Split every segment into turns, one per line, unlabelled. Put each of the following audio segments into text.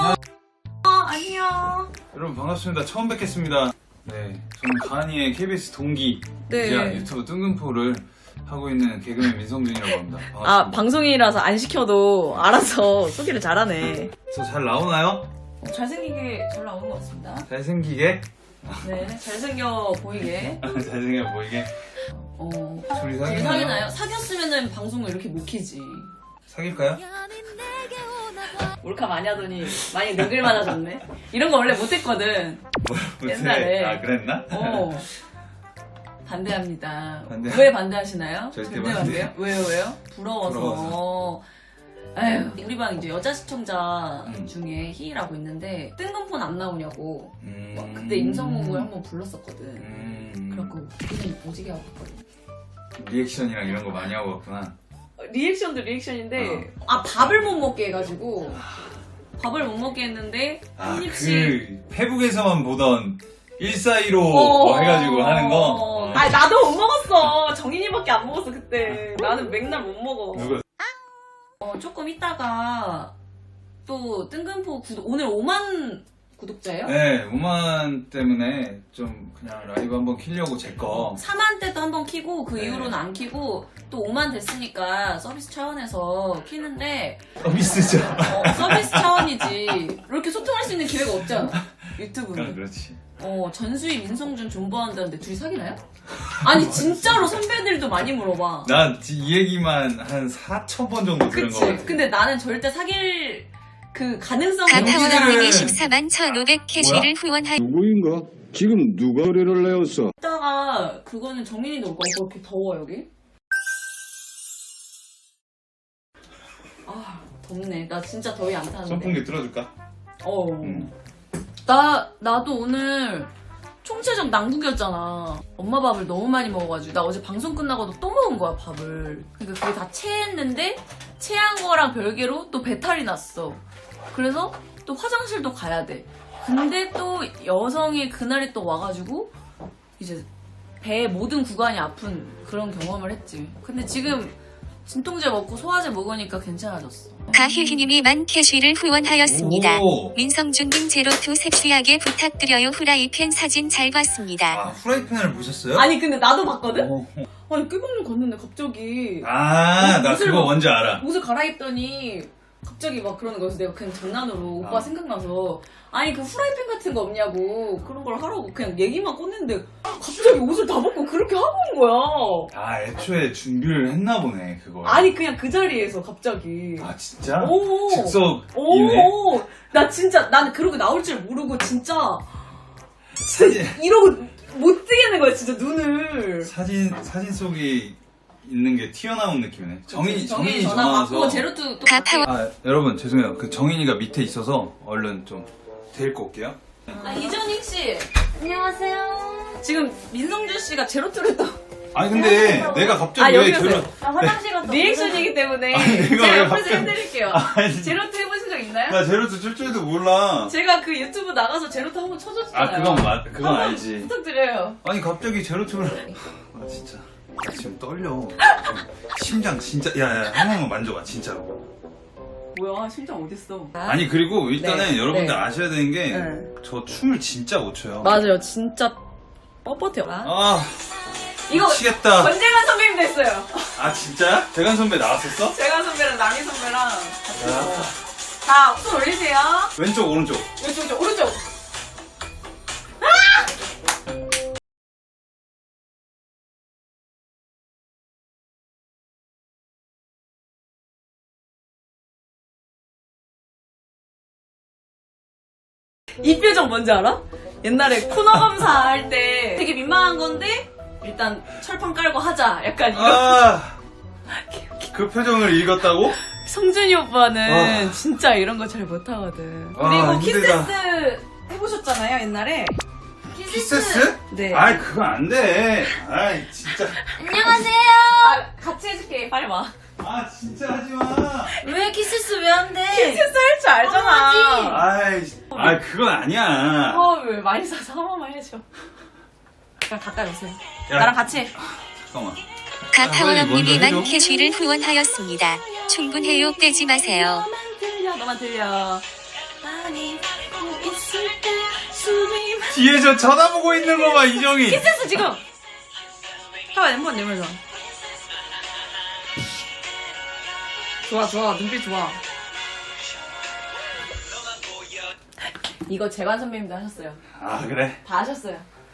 안녕.
여러분 반갑습니다. 처음 뵙겠습니다. 네, 저는 가은이의 KBS 동기
네.
유튜브 뜬금포를 하고 있는 개그맨 민성준이라고 합니다. 반갑습니다.
아, 방송이라서 안 시켜도 알아서 소개를 잘하네.
저 잘 나오나요?
잘생기게 잘 나오는 것 같습니다.
잘생기게?
네, 잘생겨 보이게.
잘생겨 보이게? 둘이 사귀나요?
사귀나요? 사귀었으면은 방송을 이렇게 못 키지.
사귈까요?
몰카 많이 하더니 많이 늙을 많아졌네. 이런 거 원래 못했거든. 옛날에.
아, 그랬나?
반대합니다.
반대.
왜 반대하시나요?
절대
반대요? 왜요? 부러워서. 아휴, 우리 방 이제 여자 시청자 중에 희희라고 있는데 뜬금포는 안 나오냐고. 그때 임성욱을 한번 불렀었거든. 그래갖고 그냥 오지게 하고 있거든.
리액션이랑 이런 거 많이 하고 왔구나.
리액션도 리액션인데 밥을 못 먹게 해가지고 밥을 못 먹게 했는데 한 입씩
페북에서만 보던 1415 뭐 해가지고 하는 거.
아니 나도 못 먹었어. 정인이밖에 안 먹었어 그때. 나는 맥날 못 먹어.
누가?
조금 있다가 또 뜬금포 오늘 5만 구독자예요?
네, 5만 때문에 좀 그냥 라이브 한번 키려고 제 거.
4만 때도 한번 키고 그
네.
이후로는 안 키고 또 5만 됐으니까 서비스 차원에서 키는데
서비스죠.
서비스 차원이지. 이렇게 소통할 수 있는 기회가 없잖아 유튜브는.
그렇지.
전수희 민성준 존버한다는데 둘이 사귀나요? 아니 진짜로 선배들도 많이 물어봐.
난 이 얘기만 한 4,000번 정도 들은 거
그치?
같아.
근데 나는 절대 사귈 그 가능성이
가타원님이 14만 1,500 캐시를 후원하.
누구인가? 지금 누가 의뢰를 내었어?
있다가 그거는 정인이도 올 거야. 그렇게 더워 여기? 아 덥네. 나 진짜 더위 안 타는데.
선풍기 틀어줄까?
나도 오늘 총체적 난국이었잖아. 엄마 밥을 너무 많이 먹어가지고 나 어제 방송 끝나고도 또 먹은 거야 밥을. 그러니까 그게 다 체했는데 체한 거랑 별개로 또 배탈이 났어. 그래서 또 화장실도 가야 돼. 근데 또 여성의 그날이 또 와가지고 이제 배의 모든 구간이 아픈 그런 경험을 했지. 근데 지금 진통제 먹고 소화제 먹으니까 괜찮아졌어.
가희희님이 만 캐시를 후원하였습니다.
오.
민성준님 제로투 섹시하게 부탁드려요. 후라이팬 사진 잘 봤습니다.
후라이팬을 보셨어요?
아니 근데 나도 봤거든?
어.
아니 꾀병님 갔는데 갑자기
나
옷을
그거 뭔지 알아.
옷을 갈아입더니 갑자기 막 그러는 거여서 내가 그냥 장난으로 오빠
아.
생각나서 아니 그 프라이팬 같은 거 없냐고 그런 걸 하라고 그냥 얘기만 꺼냈는데 갑자기 옷을 다 벗고 그렇게 하고 온 거야.
애초에 준비를 했나 보네, 그거.
아니 그냥 그 자리에서 갑자기.
진짜?
오.
즉석이네.
오. 나 진짜 나는 그러고 나올 줄 모르고 진짜
사진,
이러고 못 뜨겠는 거야 진짜 눈을.
사진 속에 있는 게 튀어나온 느낌이네. 정인이
전화
전화
받고
와서.
제로투 또
가타원
여러분 죄송해요. 그 정인이가 밑에 있어서 얼른 좀 데리고 올게요.
이전익 씨 안녕하세요. 지금 민성준 씨가 제로투를 또
아니 근데 내가 갑자기 왜
여기 오세요.
화장실 갔다
리액션이기 때문에
내가
제가
왜
옆에서
갑자기-
해드릴게요.
아니.
제로투 해보신 적 있나요?
나 제로투 줄 줄도 몰라.
제가 그 유튜브 나가서 제로투 한번 쳐줬잖아요.
그건
한번
알지.
부탁드려요.
아니 갑자기 제로투를 진짜 나 지금 떨려. 심장 진짜 야야 한 번만 만져봐 진짜로.
뭐야 심장 어딨어?
아니 그리고 일단은
네,
여러분들
네.
아셔야 되는 게
네.
저 춤을 진짜 못 춰요.
맞아요 진짜 뻣뻣해요. 이거
미치겠다.
권재관 선배님 됐어요.
진짜야? 대간 선배 나왔었어?
재관 선배랑 남희 선배랑 같이.
야.
자, 손 올리세요.
왼쪽 오른쪽.
왼쪽, 오른쪽. 이 표정 뭔지 알아? 옛날에 코너 검사할 때 되게 민망한 건데 일단 철판 깔고 하자 약간 이런.
그 표정을 읽었다고?
성준이 오빠는 진짜 이런 거 잘 못하거든. 그리고
힘들다.
키세스 해보셨잖아요 옛날에.
키세스?
네.
그거 안 돼. 진짜.
안녕하세요.
같이 해줄게. 빨리 와.
진짜 하지 마.
왜 키스스 왜 안 돼?
키세스 할 줄 알잖아.
그건 아니야.
왜 많이 사서 한 번만 해줘. 그냥 가까이 오세요.
야.
나랑 같이 해.
잠깐만.
가타원님이
먼저 해줘.
만 캐시를 후원하였습니다. 충분해요. 떼지 마세요.
너만 들려.
뒤에 저 쳐다보고 있는 거 봐, 이정이.
키스했어 지금. 해봐 한번 내면서. 좋아 눈빛 좋아. 이거 재관 선배님도 하셨어요.
아, 그래?
다 하셨어요.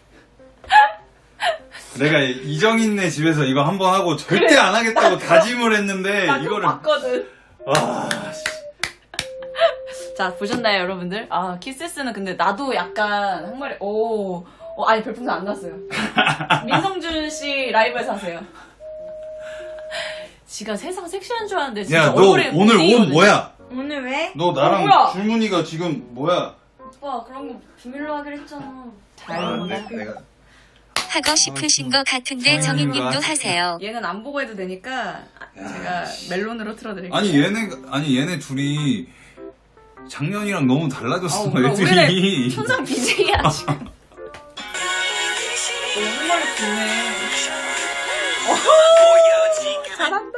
내가 이정인네 집에서 이거 한번 하고 절대 안 하겠다고 다짐을 했는데,
나 그거
이거를.
봤거든.
와,
자 보셨나요 여러분들? 아 키스스는 근데 나도 약간 한마리 아니 별풍선 안 났어요. 민성준 씨 라이브에서 하세요. 지가 세상 섹시한 줄 알았는데 진짜
야, 너
얼굴에
오늘 옷
문제거든요.
뭐야?
오늘 왜?
너 나랑
뭐야?
줄무늬가 지금 뭐야?
오빠 그런 거 비밀로 하기로 했잖아.
잘
아,
먹어.
내가.
하고 싶으신 거 같은데 정인님도 하세요.
얘는 안 보고 해도 되니까 제가 멜론으로 틀어드릴게요.
아니, 얘네 둘이 작년이랑 너무 달라졌어,
우리는
애들이.
천상 BJ야 지금. 정말 좋네. 잘한다.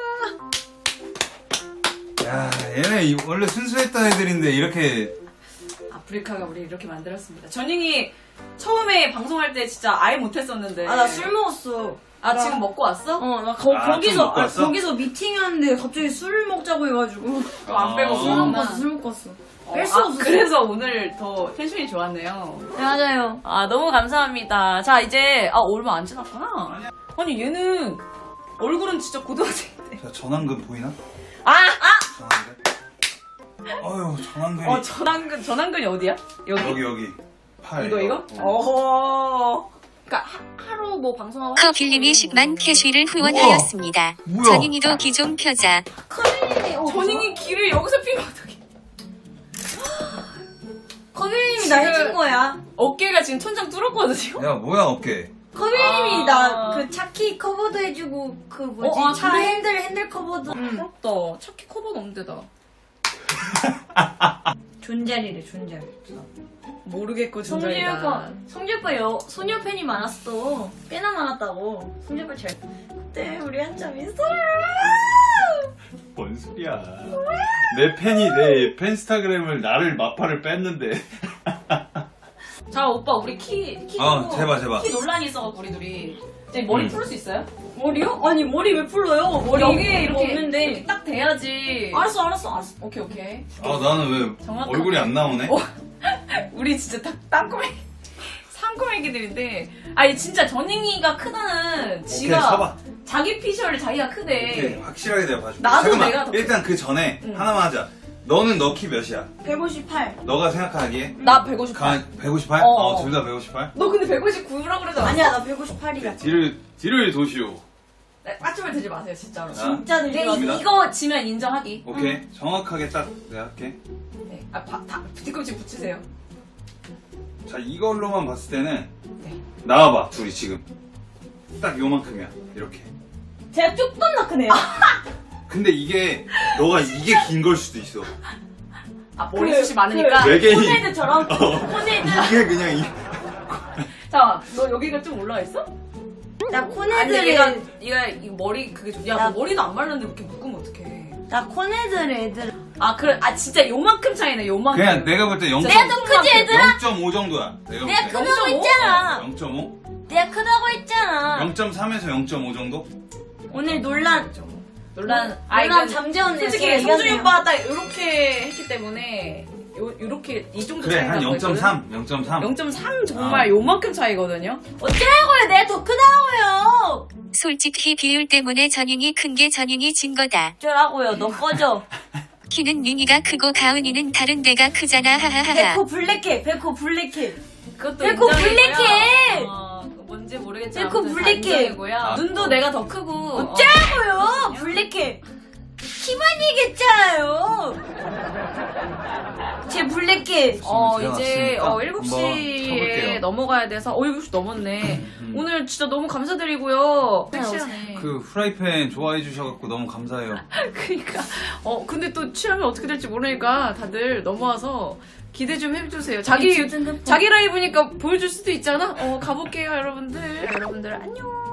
야, 얘네 원래 순수했던 애들인데 이렇게.
아프리카가 우리 이렇게 만들었습니다. 전잉이 처음에 방송할 때 진짜 아예 못했었는데.
아 나 술 먹었어.
아, 지금 먹고 왔어?
나
좀
거기서
먹고 왔어?
거기서 미팅이었는데 갑자기 술 먹자고 해가지고
안 빼고 술
술
먹나?
먹었어 술 먹었어. 뺄 수 없어.
그래서 오늘 더 텐션이 좋았네요.
네, 맞아요.
아, 너무 감사합니다. 자, 이제, 얼마 안 지났구나. 아니, 얘는, 얼굴은 진짜 고등학생인데.
자, 전완근 보이나? 전완근? 어휴, 전완근이.
전완근이 어디야? 여기?
여기. 팔.
이거?
어.
어허. 그니까, 하루 뭐 방송하고.
커빌님이 10만 캐쉬를 후원하였습니다.
뭐야?
전인이도 기종 펴자.
커빌님이
전잉이 길을 여기서 피면 어떡해.
커빌님이 나 해준 거야.
어깨가 지금 천장 뚫었거든요?
야, 뭐야, 어깨.
커빌님이
아.
나 그 차키 커버도 해주고 그 뭐지
아,
차
그래?
핸들 커버도
부럽다. 차키 커버는 없는데다.
존잘이래 존잘.
모르겠고,
성재
진짜이다.
오빠 성재 오빠 소녀 팬이 많았어. 꽤나 많았다고. 성재 오빠 잘. 그때 우리 한참 있어요.
뭔 소리야. 내 팬이 내 팬스타그램을 나를 마파를 뺐는데.
자, 오빠, 우리 키
제발.
키 논란이 있어갖고, 우리 둘이. 이제 머리 풀을 수 있어요?
머리요? 아니 머리 왜 풀러요? 머리
이게 이렇게
없는데.
이렇게 딱 돼야지.
알았어.
오케이.
나는 왜
정확하게.
얼굴이 안 나오네?
우리 진짜 땅꼬맹이, 산꼬맹이들인데. 아니, 진짜 전잉이가 크다는 지가.
오케이, 서봐.
자기 피셜 자기가 크대.
오케이, 확실하게 내가 봐줄게.
나도
잠깐만,
내가 더
일단 그 전에
응.
하나만 하자. 너는 너 키 몇이야?
158.
너가 생각하기에?
나 158.
158?
어.
둘 다 158?
너 근데 159라고 그러지 않았어?
아니야 나 158이야.
뒤를 도시오.
네, 까치발 들지 마세요, 진짜로.
진짜
근데
들려.
갑니다.
이거 지면 인정하기.
오케이. 정확하게 딱 내가 할게.
네. 뒤꿈치 붙이세요.
자, 이걸로만 봤을 때는
네.
나와봐, 둘이 지금. 딱 요만큼이야. 이렇게.
제가 조금 더 크네요.
근데 너가 이게 긴 걸 수도 있어.
머리숱이 많으니까.
외계인.
코네드처럼. 코네드.
이게 그냥
자, 너 여기가 좀 올라와 있어?
나
아니, 근데
코네드를
얘가 이 머리 그게 야,
나-
너 머리도 안 말랐는데 그렇게 묶으면 어떡해.
나 코네드를 애들.
진짜 요만큼 차이네, 요만큼.
그냥 내가 볼 때 0.5
내가 더 크지 얘들아?
정도야.
내가
볼 때.
크다고
0.5?
했잖아.
0.5?
내가 크다고 했잖아.
0.3에서 0.5 정도?
오늘 논란.
논란.
논란 잠재웠네.
솔직히 성준이 오빠가 딱 이렇게 했기 때문에 요렇게 이 정도
그래,
차이가
한
나거든.
0.3. 0.3.
0.3 정말 요만큼 차이거든요.
어쩌라고요? 내가 더 크다고요.
솔직히 비율 때문에 전인이 큰 게 전인이 진 거다.
어쩌라고요? 너 꺼져.
키는 미니가 크고 가은이는 다른 데가 크잖아. 하하하하.
백호 블랙해. 백호 블랙해.
그것도
백호
인정이고요.
블랙해.
뭔지 모르겠지만
백호
아무튼 다
블랙해.
인정이고요.
아,
눈도 내가 더 크고.
어쩌라고요? 블랙해. 키만 얘기했잖아요. 제 블랙해.
이제
왔으니까 한번
7시에
가볼게요. 넘어가야
돼서 7시 넘었네. 오늘 진짜 너무 감사드리고요. 섹시하네.
그 후라이팬 좋아해 주셔갖고 너무 감사해요.
그러니까 근데 또 취하면 어떻게 될지 모르니까 다들 넘어와서 기대 좀 해주세요. 자기 라이브니까 보여줄 수도 있잖아. 가볼게요, 여러분들. 여러분들 안녕.